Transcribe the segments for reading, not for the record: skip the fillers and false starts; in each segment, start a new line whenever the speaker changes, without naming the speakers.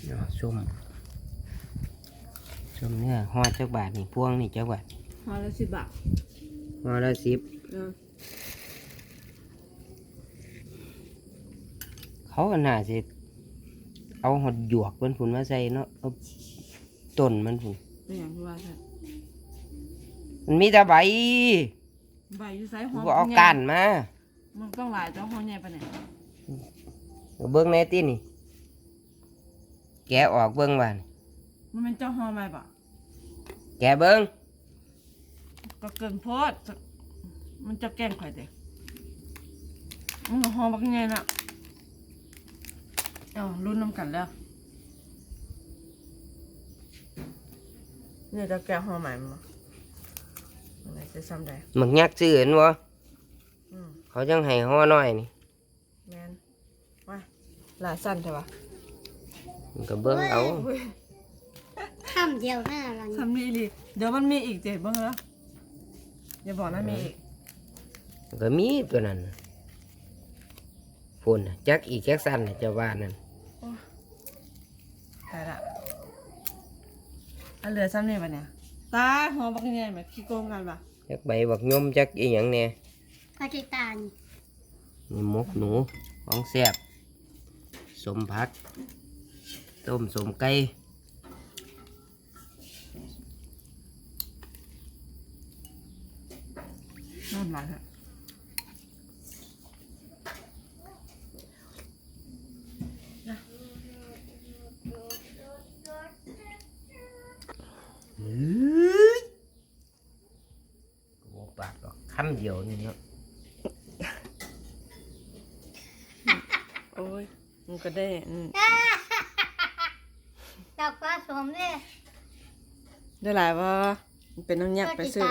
ส้มเนื้อห่อจักบาทนี่พวงนี่จักบาท
ห่อละ10 บาท
ห่อละ10เขาก็น่าสิเอาหดหยวกมันผุนมาใส่เนาะเอาต้นมันผุน
เป็นอย่างที่ว่าใช่
มันมีแต่ใบ
อยู่ไซส์หอม
เอาก้านมา
มันต้องหลายต้องห่อใหญ่ปะเนี่ย
เบิ้งในตีนี่แกะออกเบิ้งบ้าน
มันเป็นเจ้าห่อใหม่ปะ
แกะเบิ้ง
ก็เกินโพดมันจะแกล้งใครเด็กมันก็ห่อบักใหญ่น่ะรุ่นน้ำกันแล้วเนี่ยจะแกะห่อใหม่มั้ยอะไรจะซ้ำได้
หมึกยักษ์ซื้อเห็นบ่เขาจังให้ห่อน้อยนี่
แมนว้ายหลายสั้นใช่ปะ
มันก็เบิ้งเอา
คำเดียวหน้าเรา
ทำมีอีกเดี๋ยวมันมีอีกเจ็บบ้างแล้วอย่าบอกนะมีอีก
ก็มีตัวนั้นฝุ่นจักอีกจักสั้นจะว่านั่น
ตายละอันเหลือซ้ำนี่ปะเนี่ยตาหัวบักใหญ่แบบขี้โกงกันปะ
จักใบบักยมจักอีหยังเนี่ย
ปาจิตาน
นี่มกหนูของแซ่บสมผักต้มสมไก่
น่ารักฮะ
โอ้ปากดอกคำเดียวนี่เนาะ
โอ้ยมันก็ได้
ดอกปลาสมเลย
ได้หลายว่ามันเป็นน้ำยักไปซื้อ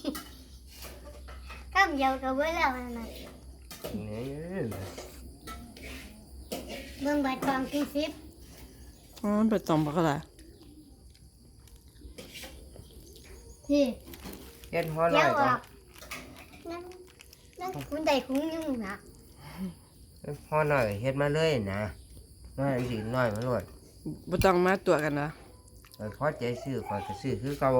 คำเดียวกับเว้ยแล้วนะเบิ่งใบตองกินซิป
มันไปตอมบักอะไร
นี่
เฮ็ดห่อหน่อยจ้ะ
นั่นคุณใดคุณยังนะ
ห่อหน่อยเฮ็ดมาเลยนะน้อยสิน้อยมาโลด
บ่ต้องมาตัวกันนะ
พอใจซื้อขอยก็ซื้อคือเก่า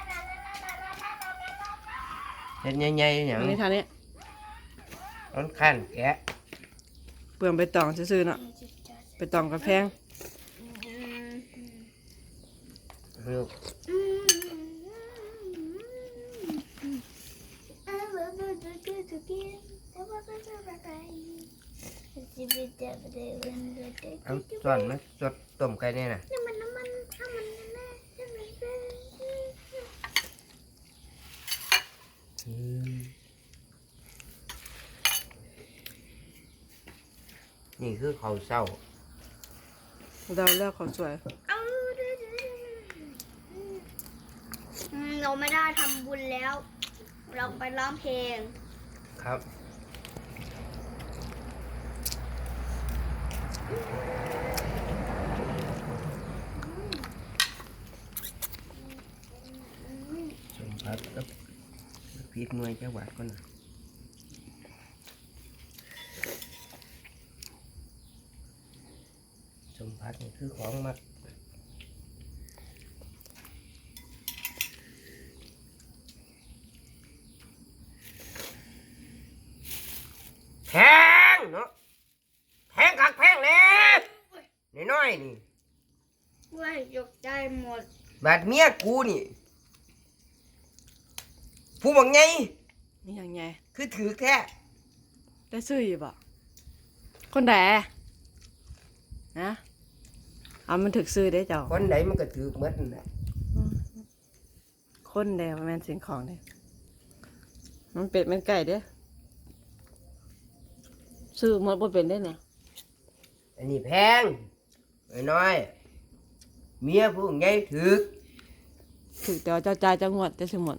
เฮ็ดใหญ่ๆหยัง
นี่ทางนี้
ร้อนขั้นแกะ
เปลืองไปตองซื้อๆเนาะไปตองกระแพง
ลูกเอาส่วนมาสดต้มไก่เนี่ยนะนี่คือข้าวเช้า
เราเลือกของสวย
เราไม่ได้ทำบุญแล้ว เราไปร้องเพลง
ครับสมผักกับพริกหน่วยจังหวัดก่อนนะสมผักนี่คือของมักแพงเนาะแพงคักแพงแน่น้อยนี่
ว่ายกใจหมด
บาดเมียกูนี่ผู้บังไง
นี่ยังไง
คือถือแท้
ได้ซื้ออยู่บ่คนแดนะมันถึกซื้อได้เจ้า
คนไหนมันก็ถือเหมือนนั่นแหละ
คนแดมันเป็นสิ่งของเด้มันเป็ดมันไก่เด้ซื้อหมดบ่เป็นได้เนี่ย
อันนี้แพงน้อยเมียผู้ใหญ่ถือ
แต่ว่าเจ้าจ่ายจังหวัดจะซื้อหมด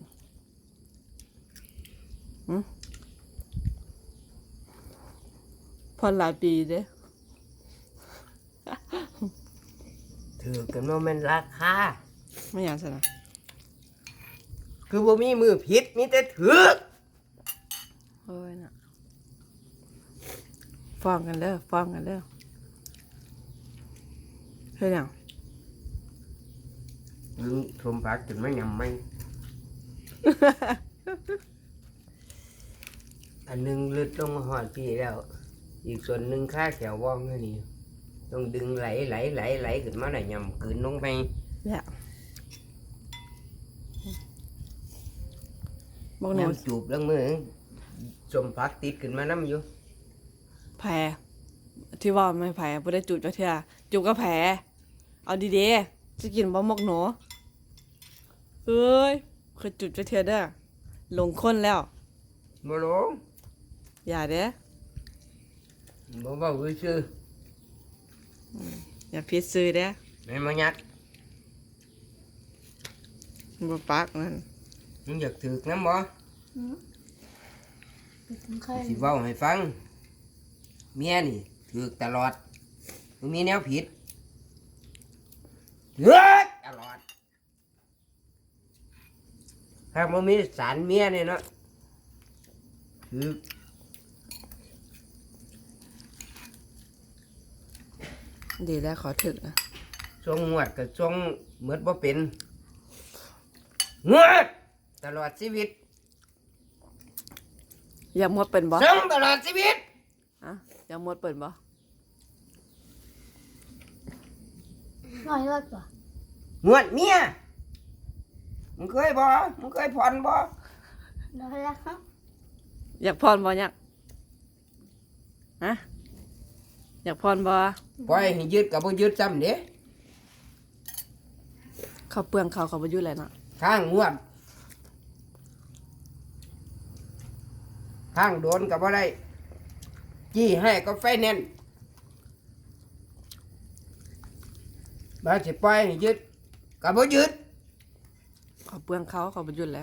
พอหลายปีเด้
ถือกันว่ามันราคา
ไม่อยากสนะ
คือบ่มีมือผิดมีแต่ถือ
เฮ้ยน่ะฟ้องกันเด้อเฮ้ยเนี่ย
ดึงสมผักจนไม่ยำไม่ อันหนึงลึดลงมาหอดพี่แล้ว อีกส่วนหนึ่งค่าแขวว่องแค่นี้ต้องดึงไหลขึ้นมาหน่อยยำกืนลงไป
เนี่ยบอกหนู
น้ำจูบแล้วมือสมผักติดขึ้นมาน้ำอยู่
แผลที่ว่าไม่แผลบ่ได้จูบจักเทื่อจูบก็แผลเอาดีๆจะกินบ่หมกหนูเอ้ยเคยจูบจักเทื่อเด้อหลงคนแล้ว
บ่หลง
อย่าเด้อ
บ่เว้าซื่อ
อย่าพิดซื้อเด้อ
ๆไม่มายัด
บ่ปากนั่น
มึงอยากถือกน้ำบ่
เคย
สิเว้าให้ฟัง เมียนี่ถือกตลอดมึงมีแนวผิดถือกตลอดถ้าบ่มีสารเมียนี่เนาะถือก
ดีแล้วขอถึกนะ
ทรงงวดกับทรงเหมือนบ่เป็นงวดตลอดชีวิต
อยากหมดเป็นบ่
ทรงตลอดชีวิต
อะอยากหมดเป็นบ่
น้อยเลิกป่ะ
งวดเมียมึงเคยบ่มึงเคยผ่อนบ่
น้อยแล้วครับ
อยากพรบ่อยากฮะอยากพรบ่
ปล่อยให้ยึดกับบ่ยึดซ้ำเด้
เขาเปลืองเขาบ่อยู่แล้วเนาะ
ข้างงวดข้างโดนกับบ่ได้จี้ให้ก็ไฟแนนซ์บ่สิปล่อยให้ยึดกับบ่ยึด
เขาเปลืองเขาบ่อยู่แล้ว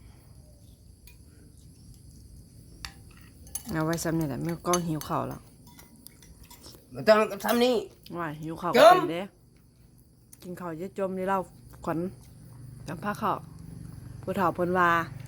เอาไว้ซ้ำนี่แหละแม่ก็หิวข้าวแล้ว
บ่ต้องทำนี่
ว่าหิวข้าว
จ
ก็
ม
เป็นเด้กินข้าวเยอะจมนี่เราขวัญจำพาข้าวผู้เฒ่าเพิ่นว่า